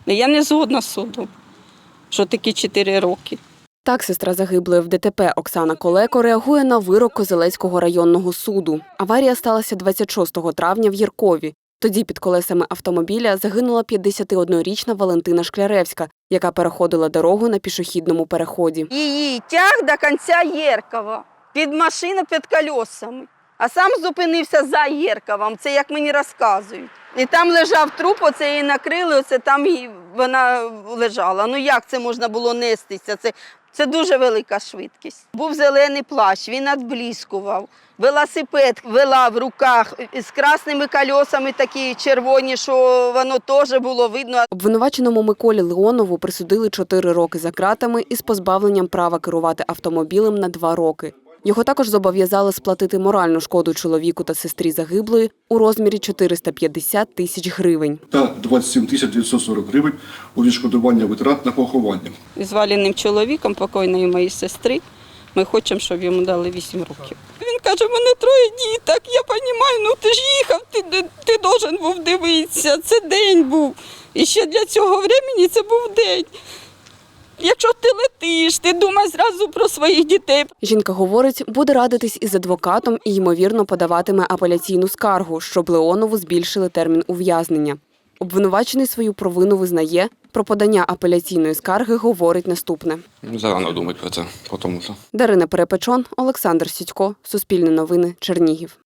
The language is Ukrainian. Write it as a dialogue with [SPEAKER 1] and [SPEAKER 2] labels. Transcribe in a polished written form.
[SPEAKER 1] Я не згодна з судом, що такі 4 роки.
[SPEAKER 2] Так сестра загиблої в ДТП Оксана Колеко реагує на вирок Козелецького районного суду. Аварія сталася 26 травня в Єркові. Тоді під колесами автомобіля загинула 51-річна Валентина Шкляревська, яка переходила дорогу на пішохідному переході.
[SPEAKER 1] Її тяг до кінця Єркова, під машину під колесами, а сам зупинився за Єрковом, це як мені розказують. І там лежав труп, оце її накрили, оце там вона лежала. Ну як це можна було нестися? Це дуже велика швидкість. Був зелений плащ, він відблискував. Велосипед вела в руках з красними колесами такі червоні, що воно теж було видно.
[SPEAKER 2] Обвинуваченому Миколі Леонову присудили 4 роки за ґратами із позбавленням права керувати автомобілем на 2 роки. Його також зобов'язали сплатити моральну шкоду чоловіку та сестрі загиблої у розмірі 450 тисяч гривень.
[SPEAKER 3] Та 27 940 гривень у відшкодування витрат на поховання.
[SPEAKER 1] Із валеним чоловіком, покойної моєї сестри, ми хочемо, щоб йому дали 8 років. Він каже, в мене 3 діток, я розумію, ну ти ж їхав, ти должен був дивитися, це день був. І ще для цього часу це був день. Якщо ти летиш, ти думай зразу про своїх дітей.
[SPEAKER 2] Жінка говорить, буде радитись із адвокатом і, ймовірно, подаватиме апеляційну скаргу, щоб Леонову збільшили термін ув'язнення. Обвинувачений свою провину визнає, про подання апеляційної скарги говорить наступне.
[SPEAKER 4] Зарано думати про це, тому що.
[SPEAKER 2] Дарина Перепечон, Олександр Сідько, Суспільне новини, Чернігів.